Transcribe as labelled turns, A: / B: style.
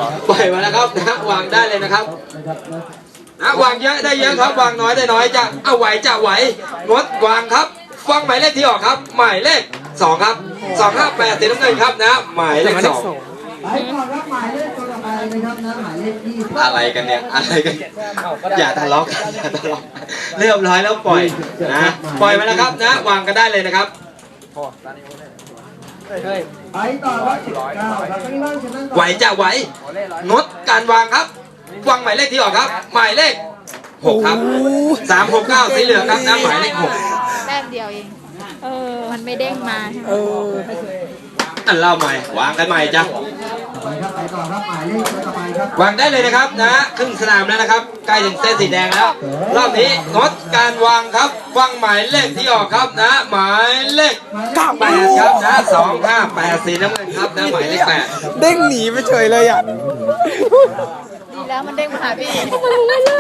A: ปล่อยมาแล้วครับนะวางได้เลยนะครับนะวางเยอะได้เยอะครับวางน้อยได้น้อยจะเอาไหวจะไหวงดวางครับฟังหมายเลขที่ออกครับ หมายเลข2ครับ258สีน้ำเงินครับนะหมายเลข2
B: ไปก่อนครับหมายเลขตัวต่อไปนะครับนะหมายเลข20
A: อะไรกันเนี่ยอะไรกันอย่าทะเลาะกันอย่าทะเลาะเรียบร้อยแล้วปล่อยนะปล่อยมาแล้วครับนะวางกันได้เลยนะครับ
B: ไปต่อครับ19ครับข้างล่างชนะต่อ
A: ไหวจะไหวงดการวางครับวางหมายเลขที่ออกครับ หมายเลข6ครับ369สีเหลืองครับนะหมายเลข6
C: แต้มเดียวเองมันไม่เด้งมาใช่ไหม
A: อันเล่าใหม่วางกันใหม่จ้ะ
B: ไปครับไปต่อครับหมายเลขตัวต่อไปครับ
A: วางได้เลยนะครับนะครึ่งสนามแล้วนะครับใกล้ถึงเส้นสีแดงแล้วรอบนี้งดการวางครับวางหมายเลขที่ออกครับนะหมายเลข8ครับนะ258สีน้ำเงินครับนะหมายเลข8
D: เด้งหนีไปเฉยเลยอ่ะ
C: ดีแล้วมันเด้งมาหาพี่